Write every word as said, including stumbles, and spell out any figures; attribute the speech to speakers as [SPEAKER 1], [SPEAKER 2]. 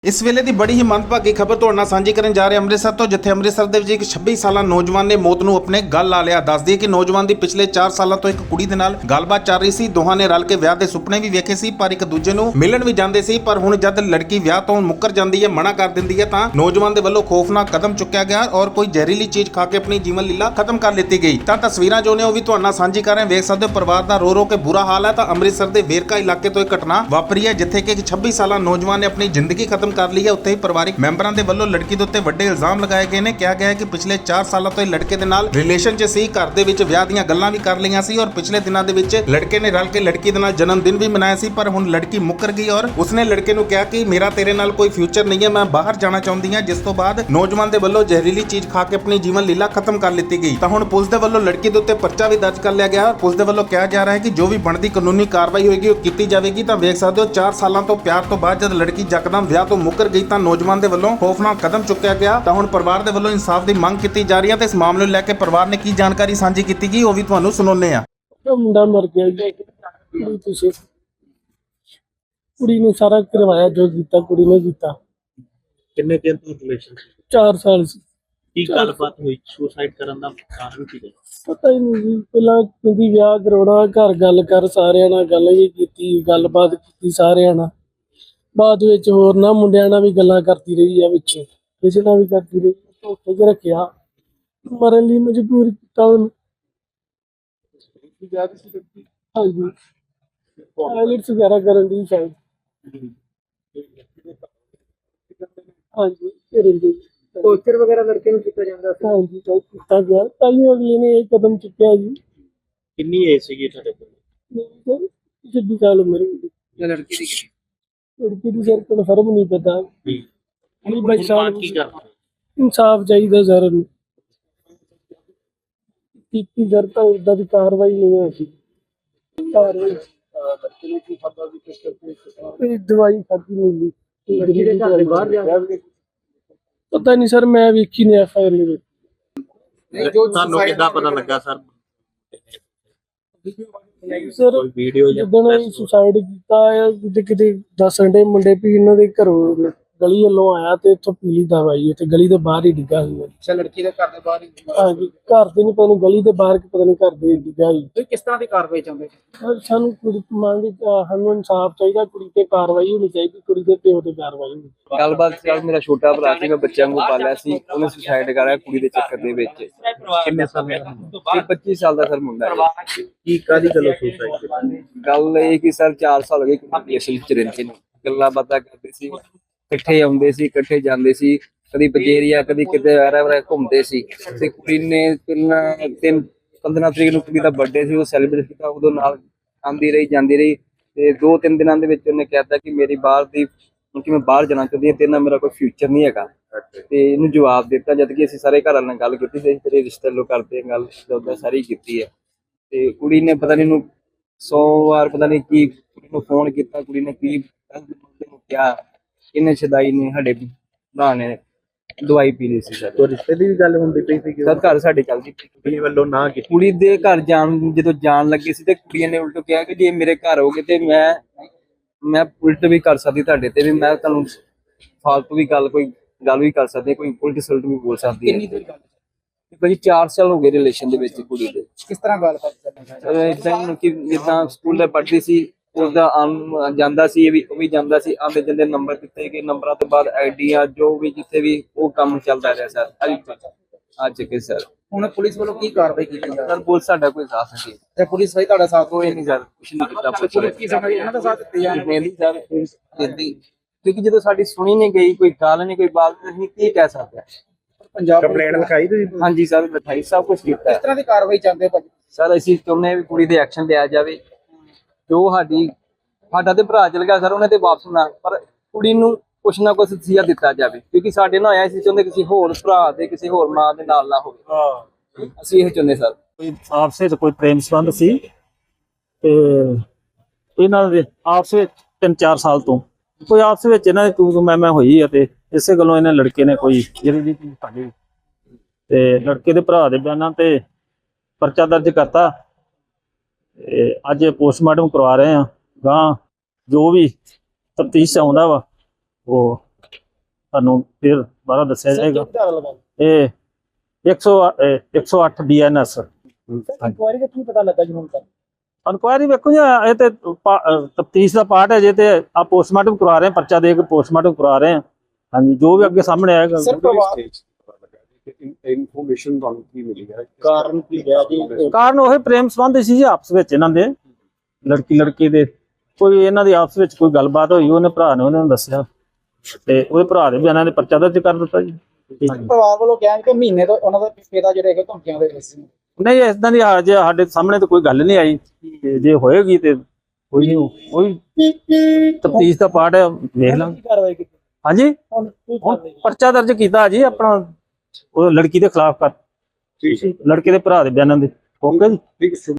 [SPEAKER 1] इस वेले की बड़ी ही मंदभागी खबर तुहाडे नाल सांझी करन जा रहे ਅੰਮ੍ਰਿਤਸਰ ਤੋਂ ਜਿੱਥੇ ਅੰਮ੍ਰਿਤਸਰ ਦੇ ਵਿੱਚ ਇੱਕ ਛੱਬੀ ਸਾਲਾ ਨੌਜਵਾਨ ਨੇ ਮੌਤ ਨੂੰ ਆਪਣੇ ਗਲ ਲਾ ਲਿਆ। ਦੱਸ ਦਈਏ ਕਿ ਨੌਜਵਾਨ ਦੀ ਪਿਛਲੇ ਚਾਰ ਸਾਲਾਂ ਤੋਂ ਇੱਕ ਕੁੜੀ ਦੇ ਨਾਲ ਗੱਲਬਾਤ ਚੱਲ ਰਹੀ ਸੀ। ਦੋਹਾਂ ਨੇ ਰਲ ਕੇ ਵਿਆਹ ਦੇ ਸੁਪਨੇ ਵੀ ਵੇਖੇ ਸੀ, ਪਰ ਇੱਕ ਦੂਜੇ ਨੂੰ ਮਿਲਣ ਵੀ ਜਾਂਦੇ ਸੀ। ਪਰ ਹੁਣ ਜਦ ਲੜਕੀ ਵਿਆਹ ਤੋਂ ਮੁੱਕਰ ਜਾਂਦੀ ਹੈ, ਮਨਾ ਕਰ ਦਿੰਦੀ ਹੈ, ਤਾਂ ਨੌਜਵਾਨ ਦੇ ਵੱਲੋਂ ਖੌਫਨਾਕ ਕਦਮ ਚੁੱਕਿਆ ਗਿਆ ਔਰ ਕੋਈ ਜ਼ਹਿਰੀਲੀ ਚੀਜ਼ ਖਾ ਕੇ ਆਪਣੀ ਜੀਵਨ ਲੀਲਾ ਖਤਮ ਕਰ ਲਿੱਤੀ ਗਈ। ਤਾਂ ਤਸਵੀਰਾਂ ਜੋ ਨੇ ਉਹ ਵੀ ਤੁਹਾਡੇ ਨਾਲ ਸਾਂਝੀ ਕਰ ਰਹੇ ਹਾਂ। ਵੇਖ ਸਕਦੇ ਹੋ ਪਰਿਵਾਰ ਦਾ ਰੋ ਰੋ ਕੇ ਬੁਰਾ ਹਾਲ ਹੈ। ਤਾਂ ਅੰਮ੍ਰਿਤਸਰ ਦੇ ਵੇਰਕਾ ਇਲਾਕੇ ਤੋਂ ਇੱਕ ਘਟਨਾ ਵਾਪਰੀ ਹੈ, ਜਿੱਥੇ ਕਿ ਇੱਕ ਛੱਬੀ ਸਾਲਾ ਨੌਜਵਾਨ ਨੇ ਆਪਣੀ ਜ਼ਿੰਦਗੀ ਖਤਮ ਕਰ ਲਈ ਹੈ। ਉੱਥੇ ਹੀ ਪਰਿਵਾਰਿਕ ਮੈਂਬਰਾਂ ਦੇ ਵੱਲੋਂ ਲੜਕੀ ਦੇ ਉੱਤੇ ਵੱਡੇ ਇਲਜ਼ਾਮ ਲਗਾਏ ਗਏ ਨੇ। ਕਿਹਾ ਗਿਆ ਹੈ ਕਿ ਪਿਛਲੇ ਚਾਰ ਸਾਲਾਂ ਤੋਂ ਇਹ ਲੜਕੇ ਦੇ ਨਾਲ ਰਿਲੇਸ਼ਨ 'ਚ ਸੀ, ਘਰ ਦੇ ਵਿੱਚ ਵਿਆਹ ਦੀਆਂ ਗੱਲਾਂ ਵੀ ਕਰ ਲਈਆਂ ਸੀ ਔਰ ਪਿਛਲੇ ਦਿਨਾਂ ਦੇ ਵਿੱਚ ਲੜਕੇ ਨੇ ਰਲ ਕੇ ਲੜਕੀ ਦੇ ਨਾਲ ਜਨਮ ਦਿਨ ਵੀ ਮਨਾਇਆ ਸੀ। ਪਰ ਹੁਣ ਲੜਕੀ ਮੁੱਕਰ ਗਈ ਔਰ ਉਸਨੇ ਲੜਕੇ ਨੂੰ ਕਿਹਾ ਕਿ ਮੇਰਾ ਤੇਰੇ ਨਾਲ ਕੋਈ ਫਿਊਚਰ ਨਹੀਂ ਹੈ, ਮੈਂ ਬਾਹਰ ਜਾਣਾ ਚਾਹੁੰਦੀ ਹਾਂ। ਜਿਸ ਤੋਂ ਬਾਅਦ ਨੌਜਵਾਨ ਦੇ ਵੱਲੋਂ ਜ਼ਹਿਰੀਲੀ ਚੀਜ਼ ਖਾ ਕੇ ਆਪਣੀ ਜੀਵਨ ਲੀਲਾ ਖਤਮ ਕਰ ਲਿੱਤੀ ਗਈ। ਤਾਂ ਹੁਣ ਪੁਲਿਸ ਦੇ ਵੱਲੋਂ ਲੜਕੀ ਦੇ ਉੱਤੇ ਪਰਚਾ ਵੀ ਦਰਜ ਕਰ ਲਿਆ ਗਿਆ। ਪੁਲਿਸ ਦੇ ਵੱਲੋਂ ਕਿਹਾ ਜਾ ਰਿਹਾ ਹੈ ਕਿ ਜੋ ਵੀ ਬਣਦੀ ਕਾਨੂੰਨੀ ਕਾਰਵਾਈ ਹੋਏਗੀ ਉਹ ਕੀਤੀ ਜਾਵੇਗੀ। ਤਾਂ ਵੇਖ ਸਕਦੇ ਹੋ ਚਾਰ ਸਾਲਾਂ ਤੋਂ ਪਿਆਰ ਤੋਂ ਬਾਅਦ ਜਦ ਲੜਕੀ ਯਕਦਮ ਵਿਆਹ ਤੋਂ ਮੁੱਕਰ ਗਈ ਤਾਂ ਨੌਜਵਾਨ ਦੇ ਵੱਲੋਂ ਖੌਫਨਾਕ ਕਦਮ ਚੁੱਕਿਆ ਗਿਆ। ਤਾਂ ਹੁਣ ਪਰਿਵਾਰ ਦੇ ਵੱਲੋਂ ਇਨਸਾਫ ਦੀ ਮੰਗ ਕੀਤੀ ਜਾ ਰਹੀ ਹੈ ਤੇ ਇਸ ਮਾਮਲੇ ਨੂੰ ਲੈ ਕੇ ਪਰਿਵਾਰ ਨੇ ਕੀ ਜਾਣਕਾਰੀ ਸਾਂਝੀ ਕੀਤੀ ਗਈ ਉਹ ਵੀ ਤੁਹਾਨੂੰ ਸੁਣਾਉਂਦੇ ਆ।
[SPEAKER 2] ਮੁੰਡਾ ਮਰ ਗਿਆ ਜੀ, ਕੁੜੀ ਪਿੱਛੇ ਕੁੜੀ ਨੇ ਸਾਰਾ ਕਰਵਾਇਆ, ਜੋ ਕੀਤਾ ਕੁੜੀ ਨੇ ਕੀਤਾ।
[SPEAKER 3] ਕਿੰਨੇ ਦਿਨ ਤੋਂ ਰਿਲੇਸ਼ਨ
[SPEAKER 2] ਚਾਰ ਸਾਲ ਸੀ।
[SPEAKER 3] ਕੀ ਗੱਲਬਾਤ ਹੋਈ? ਸੁਸਾਈਡ ਕਰਨ ਦਾ ਕਾਰਨ ਕੀ ਹੈ?
[SPEAKER 2] ਪਤਾ ਹੀ ਨਹੀਂ ਜੀ। ਪਹਿਲਾਂ ਕਹਿੰਦੀ ਵਿਆਹ ਕਰਾਉਣਾ, ਘਰ ਗੱਲ ਕਰ, ਸਾਰਿਆਂ ਨਾਲ ਗੱਲ ਵੀ ਕੀਤੀ, ਗੱਲਬਾਤ ਕੀਤੀ ਸਾਰਿਆਂ ਨਾਲ। ਬਾਅਦ ਵਿੱਚ ਹੋਰ ਨਾ ਮੁੰਡਿਆਂ ਨਾਲ ਵੀ ਗੱਲਾਂ ਕਰਦੀ ਰਹੀ ਆ, ਵਿੱਚ ਕਿਸੇ ਨਾਲ ਵੀ ਕਰਦੀ ਰਹੀ। ਧੋਖੇ 'ਚ ਰੱਖਿਆ, ਮਰਨ ਲਈ ਮਜਬੂਰ ਕੀਤਾ ਉਹਨੂੰ। ਹਾਂਜੀ, ਆਈਲੈਟਸ ਵਗੈਰਾ ਕਰਨ ਦੀ ਸ਼ਾਇਦ। ਹਾਂਜੀ, ਕਰਨ ਦੀ
[SPEAKER 4] ਟੌਰਚਰ ਵਗੈਰਾ ਲੜਕੇ ਨੂੰ ਕੀਤਾ ਜਾਂਦਾ ਸੀ।
[SPEAKER 2] ਹਾਂਜੀ ਤਾਂ ਕੀਤਾ ਗਿਆ, ਤਾਂ ਹੀ ਅਗਲੇ ਨੇ ਇਹ ਕਦਮ ਚੁੱਕਿਆ ਜੀ।
[SPEAKER 3] ਕਿੰਨੀ ਏਜ ਸੀਗੀ ਤੁਹਾਡੇ ਕੋਲ?
[SPEAKER 2] ਛੱਬੀ ਸਾਲ ਉਮਰ ਹੋਈ।
[SPEAKER 4] ਜਾਂ ਲੜਕੀ ਦੀ
[SPEAKER 2] ਲੜਕੀ ਦੀ ਸਰ ਕਨਫਰਮ ਨਹੀਂ ਪਤਾ।
[SPEAKER 3] ਹੁਣ ਬਾਤ ਕੀ ਕਰਨਾ?
[SPEAKER 2] ਇਨਸਾਫ ਚਾਹੀਦਾ ਸਰ ਨੂੰ। ਕੀਤੀ ਸਰ ਤਾਂ ਉਦਾਂ ਦੀ ਕਾਰਵਾਈ ਨਹੀਂ ਹੋਈ। ਕਾਰਵਾਈ ਇਹ ਦਵਾਈ ਖਾਦੀ ਮਿਲੀ।
[SPEAKER 4] ਲੜਕੀ ਦੇ ਘਰ ਦੇ ਬਾਹਰ ਜਾ
[SPEAKER 2] ਪਤਾ ਨਹੀਂ ਸਰ, ਮੈਂ ਵੇਖੀ ਨਹੀਂ ਐਫ ਆਈ ਆਰ ਵਿੱਚ।
[SPEAKER 3] ਤੁਹਾਨੂੰ ਕਿੱਦਾਂ ਪਤਾ ਲੱਗਾ ਸਰ?
[SPEAKER 2] ਸਰ
[SPEAKER 3] ਕੋਈ ਵੀਡੀਓ ਜਾਂ
[SPEAKER 2] ਜਦੋਂ ਇਹ ਸੁਸਾਈਡ ਕੀਤਾ ਹੈ, ਕਿਤੇ ਕਿਤੇ ਦੱਸਣ ਦੇ ਮੁੰਡੇ ਵੀ ਇਹਨਾਂ ਦੇ ਘਰੋਂ ਗਲੀ ਵੱਲੋਂ ਆਇਆ ਤੇ ਇੱਥੋਂ ਪੀਲੀ ਦਵਾਈ ਉੱਥੇ ਗਲੀ ਦੇ ਬਾਹਰ ਹੀ ਡਿੱਗਾ ਸੀ।
[SPEAKER 4] ਅੱਛਾ, ਲੜਕੀ ਦੇ ਘਰ ਦੇ ਬਾਹਰ ਹੀ।
[SPEAKER 2] ਹਾਂਜੀ, ਘਰ ਦੇ ਨਹੀਂ, ਪਤਾ ਨਹੀਂ ਗਲੀ ਦੇ ਬਾਹਰ ਕਿ ਪਤਾ ਨਹੀਂ ਘਰ ਦੇ ਡਿੱਗਾ ਸੀ।
[SPEAKER 4] ਤੁਸੀਂ ਕਿਸ ਤਰ੍ਹਾਂ ਦੀ ਕਾਰਵਾਈ ਚਾਹੁੰਦੇ?
[SPEAKER 2] ਸਰ ਸਾਨੂੰ ਕੁੜੀ ਮੰਗ ਸਾਨੂੰ ਇਨਸਾਫ ਚਾਹੀਦਾ, ਕੁੜੀ ਤੇ ਕਾਰਵਾਈ ਹੋਣੀ ਚਾਹੀਦੀ, ਕੁੜੀ ਦੇ ਪਿਓ ਤੇ ਕਾਰਵਾਈ ਹੋਣੀ।
[SPEAKER 5] ਗੱਲਬਾਤ ਚੱਲ, ਮੇਰਾ ਛੋਟਾ ਭਰਾ ਸੀ, ਮੈਂ ਬੱਚਿਆਂ ਨੂੰ ਪਾਲਿਆ ਸੀ, ਉਹਨੇ ਸੁਸਾਈਡ ਕਰਾਇਆ ਕੁੜੀ ਦੇ ਚੱਕਰ ਦੇ ਵਿੱਚ।
[SPEAKER 3] ਕਿੰਨੇ ਸਮੇਂ ਦਾ?
[SPEAKER 5] ਇਹ ਪੱਚੀ ਸਾਲ ਦਾ ਸਰ ਮੁੰਡਾ ਹੈ।
[SPEAKER 3] ਕੀ ਕਾਦੀ ਗੱਲੋਂ ਸੁਸਾਈਡ ਕੀਤੀ?
[SPEAKER 5] ਗੱਲ ਇਹ ਕਿ ਸਰ ਚਾਰ ਸਾਲ ਹੋ ਗਏ ਕੁੜੀ ਅਸਲ ਵਿੱਚ ਰਹਿੰਦੇ ਨੇ, ਗੱਲਾਂ ਬਾਤਾਂ ਕਰਦੇ ਸੀ, ਇਕੱਠੇ ਆਉਂਦੇ ਸੀ, ਇਕੱਠੇ ਜਾਂਦੇ ਸੀ, ਕਦੀ ਬਜੇਰੀਆ ਕਦੀ ਕਿਤੇ ਵੈਰਾ ਵੈਰਾ ਘੁੰਮਦੇ ਸੀ। ਤੇ ਕੁੜੀ ਨੇ ਪਹਿਲਾਂ ਤਿੰਨ ਪੰਦਰਾਂ ਤਰੀਕ ਨੂੰ ਕੁੜੀ ਦਾ ਬਰਥਡੇ ਸੀ, ਉਹ ਸੈਲੀਬ੍ਰੇਟ ਕੀਤਾ, ਉਦੋਂ ਨਾਲ ਆਉਂਦੀ ਰਹੀ ਜਾਂਦੀ ਰਹੀ। ਤੇ ਦੋ ਤਿੰਨ ਦਿਨਾਂ ਦੇ ਵਿੱਚ ਉਹਨੇ ਕਹਿਤਾ ਕਿ ਮੇਰੀ ਬਾਹਰ ਦੀ ਕਿ ਮੈਂ ਬਾਹਰ ਜਾਣਾ ਚਾਹੁੰਦੀ ਹਾਂ, ਤੇਰੇ ਨਾਲ ਮੇਰਾ ਕੋਈ ਫਿਊਚਰ ਨਹੀਂ ਹੈਗਾ। ਤੇ ਇਹਨੂੰ ਜਵਾਬ ਦਿੱਤਾ, ਜਦ ਕਿ ਅਸੀਂ ਸਾਰੇ ਘਰਾਂ ਨਾਲ ਗੱਲ ਕੀਤੀ ਸੀ, ਤੇਰੇ ਰਿਸ਼ਤੇ ਲੋ ਕਰਦੇ ਗੱਲ ਉਹਦਾ ਸਾਰੀ ਕੀਤੀ ਹੈ। ਤੇ ਕੁੜੀ ਨੇ ਪਤਾ ਨਹੀਂ ਇਹਨੂੰ ਸੌ ਵਾਰ ਪਤਾ ਨਹੀਂ ਕੀ ਕੁੜੀ ਨੂੰ ਫੋਨ ਕੀਤਾ, ਕੁੜੀ ਨੇ ਕੀ ਕਿਹਾ, ਇਹਨੇ ਛਦਾਈ ਨੇ ਸਾਡੇ ਭਰਾ ਨੇ ਦਵਾਈ ਪੀ ਲਈ ਸੀ ਸਰ।
[SPEAKER 3] ਕੋਈ ਰਿਸ਼ਤੇ ਦੀ ਵੀ ਗੱਲ ਹੁੰਦੀ ਪਈ ਸੀ?
[SPEAKER 5] ਸਰ ਘਰ ਸਾਡੇ ਚੱਲਦੀ ਪਈ।
[SPEAKER 3] ਕੁੜੀ ਵੱਲੋਂ ਨਾ ਕੀਤੀ?
[SPEAKER 5] ਕੁੜੀ ਦੇ ਘਰ ਜਾਣ ਜਦੋਂ ਜਾਣ ਲੱਗੇ ਸੀ ਤੇ ਕੁੜੀਆਂ ਨੇ ਉਲਟ ਕਿਹਾ ਕਿ ਜੇ ਮੇਰੇ ਘਰ ਹੋਗੇ ਤੇ ਮੈਂ ਮੈਂ ਉਲਟ ਵੀ ਕਰ ਸਕਦੀ ਤੁਹਾਡੇ ਤੇ, ਵੀ ਮੈਂ ਤੁਹਾਨੂੰ ਫਾਲਤੂ ਵੀ ਗੱਲ ਕੋਈ ਗੱਲ ਵੀ ਕਰ ਸਕਦੀ, ਕੋਈ ਉਲਟ ਸਲਟ ਵੀ ਬੋਲ ਸਕਦੀ ਹੈ।
[SPEAKER 4] ਕਿੰਨੀ ਦੇਰ ਗੱਲ?
[SPEAKER 5] ਭਾਜੀ ਚਾਰ ਸਾਲ ਹੋ ਗਏ ਰਿਲੇਸ਼ਨ ਦੇ ਵਿੱਚ ਕੁੜੀ ਦੇ।
[SPEAKER 4] ਕਿਸ ਤਰ੍ਹਾਂ ਗੱਲਬਾਤ ਕਰਨੀ?
[SPEAKER 5] ਇਦਾਂ ਕਿ ਜਿੱਦਾਂ ਸਕੂਲ ਦੇ ਪੜ੍ਹਦੀ ਸੀ, ਉਹਦਾ ਆਉਣ ਜਾਂਦਾ ਸੀ, ਇਹ ਵੀ ਉਹ ਵੀ ਜਾਂਦਾ ਸੀ, ਆਉਂਦੇ ਜਾਂਦੇ ਨੰਬਰ ਦਿੱਤੇ ਗਏ, ਨੰਬਰਾਂ ਤੋਂ ਬਾਅਦ ਆਈਡੀਆ ਜੋ ਵੀ ਜਿੱਥੇ ਵੀ ਉਹ ਕੰਮ ਚੱਲਦਾ ਰਿਹਾ ਸਰ ਅੱਜ ਕੇ ਸਰ।
[SPEAKER 4] ਹੁਣ ਪੁਲਿਸ ਵੱਲੋਂ ਕੀ ਕਾਰਵਾਈ ਕੀਤੀ ਜਾ ਰਹੀ
[SPEAKER 5] ਸਰ ਪੁਲਿਸ ਸਾਡਾ ਕੋਈ ਸਾਥ ਨਹੀਂ
[SPEAKER 4] ਹੈ? ਪੁਲਿਸ ਵੀ ਤੁਹਾਡਾ ਸਾਥ
[SPEAKER 5] ਕੋਈ ਨਹੀਂ ਸਰ, ਕੁਛ ਨਹੀਂ ਕੀਤਾ
[SPEAKER 4] ਪੁਲਿਸ ਕੀ ਸਮਝ ਇਹਨਾਂ ਦਾ ਸਾਥ ਦਿੱਤੇ ਜਾ
[SPEAKER 5] ਨਹੀਂ ਸਰ ਦਿੰਦੀ, ਕਿਉਂਕਿ ਜਦੋਂ ਸਾਡੀ ਸੁਣੀ ਨਹੀਂ ਗਈ, ਕੋਈ ਗੱਲ ਨਹੀਂ, ਕੋਈ ਬਾਤ ਨਹੀਂ, ਕੀ ਕਹਿ ਸਕਦੇ ਹਾਂ।
[SPEAKER 4] ਪੰਜਾਬ
[SPEAKER 3] ਕੰਪਲੇਂਟ ਲਿਖਾਈ ਤੁਸੀਂ?
[SPEAKER 5] ਹਾਂਜੀ ਸਰ ਲਿਖਾਈ, ਸਭ ਕੁਝ ਕੀਤਾ
[SPEAKER 4] ਕਿਸ ਤਰ੍ਹਾਂ ਦੀ ਕਾਰਵਾਈ ਚਾਹੁੰਦੇ ਭਾਜੀ?
[SPEAKER 5] ਸਰ। ਅਸੀਂ ਚਾਹੁੰਦੇ ਹਾਂ ਵੀ ਕੁੜੀ ਦੇ ਐਕਸ਼ਨ ਲਿਆ ਜਾਵੇ, ਜੋ ਸਾਡੀ ਸਾਡਾ ਤੇ ਭਰਾ ਚਲ ਗਿਆ ਸਰ, ਉਹਨੇ ਤੇ ਵਾਪਸ ਨਾ, ਪਰ ਕੁੜੀ ਨੂੰ ਕੁਛ ਨਾ ਕੁਛ ਸਿਆ ਦਿੱਤਾ ਜਾਵੇ, ਕਿਉਂਕਿ ਸਾਡੇ ਨਾਲ ਆਇਆ ਸੀ, ਚਾਹੁੰਦੇ ਕਿਸੇ ਹੋਰ ਭਰਾ ਦੇ ਕਿਸੇ ਹੋਰ ਮਾਂ ਦੇ ਨਾਲ ਨਾ ਹੋਵੇ। ਅਸੀਂ ਇਹ ਚਾਹੁੰਦੇ ਸਰ।
[SPEAKER 6] ਕੋਈ ਆਪਸ ਵਿੱਚ ਕੋਈ ਪ੍ਰੇਮ ਸੰਬੰਧ ਸੀ ਤੇ ਇਹਨਾਂ ਦੇ ਆਪਸ ਵਿੱਚ ਤਿੰਨ ਚਾਰ ਸਾਲ ਤੋਂ ਕੋਈ ਆਪਸ ਵਿੱਚ ਇਹਨਾਂ ਦੀ ਤੂੰ ਤੂੰ ਮੈਂ ਮੈਂ ਹੋਈ ਆ, ਤੇ ਇਸੇ ਗੱਲੋਂ ਇਹਨਾਂ ਲੜਕੇ ਨੇ ਕੋਈ ਜਿਹੜੀ ਚੀਜ਼ ਸਾਡੀ ਤੇ ਲੜਕੇ ਦੇ ਭਰਾ ਦੇ ਬਿਆਨਾਂ ਤੇ ਪਰਚਾ ਦਰਜ ਕਰਤਾ। ਤੇ ਅੱਜ ਪੋਸਟਮਾਰਟਮ ਕਰਵਾ ਰਹੇ ਆ, ਗਾਂ ਜੋ ਵੀ ਤਫਤੀਸ਼ ਆਉਂਦਾ ਵਾ ਉਹ ਤੁਹਾਨੂੰ ਫਿਰ ਦੁਬਾਰਾ ਦੱਸਿਆ ਜਾਏਗਾ।
[SPEAKER 2] ਕਿਹੜੀ ਧਾਰਾ ਲਗਾ
[SPEAKER 6] ਇਹ ਇੱਕ ਸੌ ਇੱਕ ਸੌ ਅੱਠ ਬੀ ਐਨ ਐਸ।
[SPEAKER 2] ਇਨਕੁਆਇਰੀ ਦਾ ਕੀ ਪਤਾ ਲੱਗਾ ਜੀ ਹੁਣ ਤੱਕ?
[SPEAKER 6] ਇਨਕੁਆਇਰੀ ਵੇਖੋ ਜੀ, ਇਹ ਤੇ ਤਫਤੀਸ਼ ਦਾ ਪਾਰਟ ਹੈ ਜੇ, ਤੇ ਆ ਪੋਸਟਮਾਰਟਮ ਕਰਵਾ ਰਹੇ ਹਾਂ, ਪਰਚਾ ਦੇ ਕੇ ਪੋਸਟਮਾਰਟਮ ਕਰਵਾ ਰਹੇ ਹਾਂ। ਹਾਂਜੀ, ਜੋ ਵੀ ਅੱਗੇ ਸਾਹਮਣੇ ਆਏਗਾ।
[SPEAKER 4] ਸਰ ਪਰਿਵਾਰ
[SPEAKER 7] ਇਨਫੋਰਮੇਸ਼ਨ ਤੁਹਾਨੂੰ ਕੀ ਮਿਲੀ ਹੈ?
[SPEAKER 2] ਕਾਰਨ ਕੀ ਹੈ ਜੀ?
[SPEAKER 6] ਕਾਰਨ ਉਹ ਪ੍ਰੇਮ ਸੰਬੰਧ ਸੀ ਜੀ ਆਪਸ ਵਿੱਚ ਇਹਨਾਂ ਦੇ, ਲੜਕੀ ਲੜਕੀ ਦੇ ਕੋਈ ਇਹਨਾਂ ਦੀ ਆਪਸ ਵਿੱਚ ਕੋਈ ਗੱਲਬਾਤ ਹੋਈ, ਉਹਨੇ ਭਰਾ ਨੇ ਉਹਨਾਂ ਨੂੰ ਦੱਸਿਆ ਤੇ ਉਹਦੇ ਭਰਾ ਦੇ ਬਿਆਨਾਂ ਦੇ ਪਰਚਾ ਦਰਜ ਕਰ ਦਿੱਤਾ ਜੀ।
[SPEAKER 4] ਪਰਿਵਾਰ ਵੱਲੋਂ ਕਿਹਾ ਕਿ ਮਹੀਨੇ ਤੋਂ ਉਹਨਾਂ ਦਾ ਪਿਤਾ ਜਿਹੜੇ ਹੈਗੇ ਧਮਕੀਆਂ ਦੇ ਵਿੱਚ ਸੀ।
[SPEAKER 6] ਨਹੀਂ, ਇਦਾਂ ਦੀ ਹਾਲ ਜੇ ਸਾਡੇ ਸਾਹਮਣੇ ਤਾਂ ਕੋਈ ਗੱਲ ਨਹੀਂ ਆਈ, ਤੇ ਜੇ ਹੋਏਗੀ ਤੇ ਕੋਈ ਨਹੀਂ, ਉਹੀ ਤਫਤੀਸ਼ ਦਾ ਪਾਰਟ ਹੈ, ਵੇਖ ਲਾਂਗੇ।
[SPEAKER 2] ਕੀ ਕਾਰਵਾਈ ਕੀਤੀ
[SPEAKER 6] ਹਾਂਜੀ,
[SPEAKER 2] ਹੁਣ ਕੀ
[SPEAKER 6] ਹੁਣ
[SPEAKER 2] ਕਾਰਵਾਈ?
[SPEAKER 6] ਪਰਚਾ ਦਰਜ ਕੀਤਾ ਜੀ ਆਪਣਾ ਉਹ ਲੜਕੀ ਦੇ ਖਿਲਾਫ ਕਰ,
[SPEAKER 7] ਠੀਕ ਹੈ
[SPEAKER 6] ਲੜਕੇ ਦੇ ਭਰਾ ਦੇ ਬਿਆਨਾਂ ਦੇ। ਓਕੇ ਜੀ।
[SPEAKER 7] ਠੀਕ ਹੈ।